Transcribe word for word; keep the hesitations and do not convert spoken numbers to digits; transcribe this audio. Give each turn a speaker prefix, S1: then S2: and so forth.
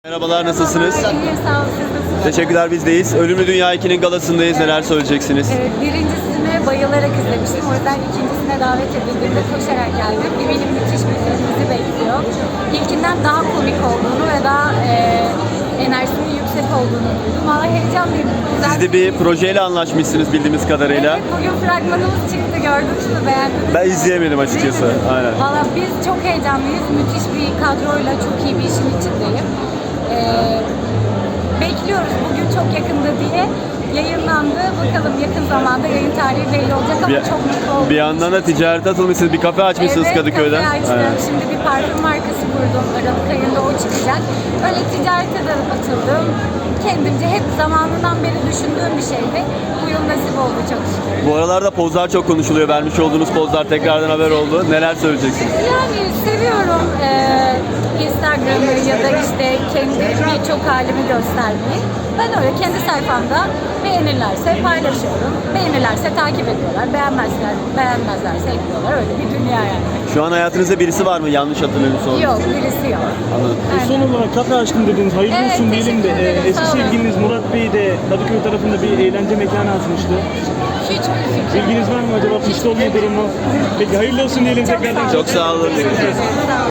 S1: Merhabalar, nasılsınız?
S2: İyiyim, sağ olun. Siz nasılsınız?
S1: Teşekkürler, bizdeyiz. Ölümlü Dünya iki'nin galasındayız. Neler söyleyeceksiniz?
S2: Evet, birincisini bayılarak izlemiştim. O yüzden ikincisine davet edildiğimde koşarak geldim. Eminim müthiş bir film bizi bekliyor. İlkinden daha komik olduğunu ve daha e, enerjisinin yüksek olduğunu duydum. Valla heyecanlıyım. Güzel
S1: Siz de bir projeyle anlaşmışsınız bildiğimiz kadarıyla.
S2: Evet, bugün fragmanımız çıktı. Gördünüz mü? Beğendiniz mi?
S1: Ben izleyemedim açıkçası.
S2: Değil mi?
S1: Aynen.
S2: Valla biz çok heyecanlıyız. Müthiş bir kadroyla çok iyi bir işin içindeyim. Ee, bekliyoruz bugün çok yakında diye yayınlandı. Bakalım yakın zamanda yayın tarihi belli olacak ama
S1: Bir,
S2: çok mutlu oldum.
S1: bir yandan da ticarete atılmışsınız. Bir kafe açmışsınız
S2: Evet,
S1: Kadıköy'de.
S2: kafe açtım.
S1: Aynen.
S2: Şimdi bir parfüm markası kurdum. Aralık ayında o çıkacak. Öyle ticarete de atıldım. Kendimce hep zamanından beri düşündüğüm bir şeydi. Bu yıl nasip oldu çok şükür.
S1: Bu aralarda pozlar çok konuşuluyor. Vermiş olduğunuz pozlar tekrardan haber oldu. Neler söyleyeceksiniz?
S2: Yani seviyorum eee Instagram'ı ya da işte kendi birçok halimi göstermeyi. Ben öyle kendi sayfamda beğenirlerse paylaşıyorum. Beğenirlerse takip ediyorlar. Beğenmezler, beğenmezlerse ekliyorlar. Öyle bir dünya yani.
S1: Şu an hayatınızda birisi var mı? Yanlış hatırlamıyorsam.
S2: Yok, birisi yok.
S1: Anladım.
S2: Aynen.
S3: Son olarak kafe açtım dediniz. Hayırlı
S2: Evet,
S3: olsun diyelim de.
S2: teşekkür ederim,
S3: e, Eski
S2: sağ olun.
S3: sevgiliniz Murat Bey de Kadıköy tarafında bir eğlence mekanı açmıştı.
S2: Hiçbir fikrim.
S3: Bilginiz var mı acaba? Pişti olma durumu. Peki hayırlı olsun diyelim
S2: Çok
S3: tekrardan.
S2: sağ olun.
S1: Çok sağ olun.
S2: Teşekkür ederim. Sağ olun.